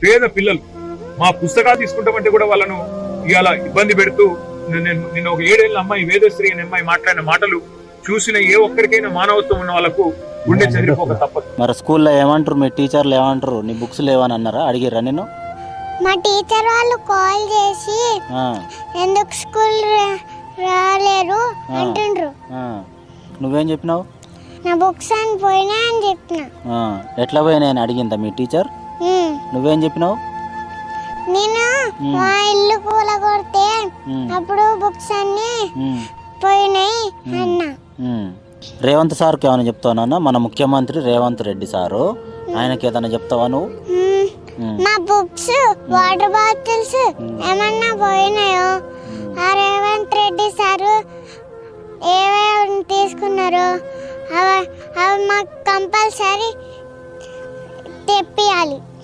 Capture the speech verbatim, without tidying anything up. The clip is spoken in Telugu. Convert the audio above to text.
పేద పిల్లలు. మా పుస్తకాలు తీసుకుంటామంటే కూడా వాళ్ళను ఇవాళ ఇబ్బంది పెడుతూ, నేను నిన్న ఒక ఏడేళ్ళ అమ్మాయి వేదశ్రీ అనే అమ్మాయి మాట్లాడిన మాటలు చూసిన ఏ ఒక్కరికైనా మానవత్వం ఉన్న వాళ్ళకు గుండె చెదిరిపోక తప్పదు. మరి స్కూల్లో ఏమంటారు, మీ టీచర్లు ఏమంటారు? నీ బుక్స్ లేవని అన్నారా, అడిగిర్రా నేను? మా టీచర్ వాళ్ళు కాల్ చేసి ఎందుకు స్కూల్ రాలేరు అంటుండ్రు. నువ్వేం చెప్పినావు? నా బుక్స్ అని పోయినా అని చెప్పిన. ఎట్లా పోయినా అని అడిగిందా మీ టీచర్? నువ్వేం చెప్పినావు? నేను మా ఇల్లు కూల కొడితే అప్పుడు బుక్స్ అన్ని పోయినాయి అన్నా. రేవంత్ సార్కి ఏమైనా చెప్తావా? మన ముఖ్యమంత్రి రేవంత్ రెడ్డి సారు, ఆయనకి ఏదైనా చెప్తావా నువ్వు? మా బుక్స్ వాటర్ బాటిల్స్ ఏమన్నా పోయినాయో ఆ రేవంత్ రెడ్డి సారు ఏమేమి తీసుకున్నారు అవి అవి మాకు కంపల్సరీ తెప్పియాలి.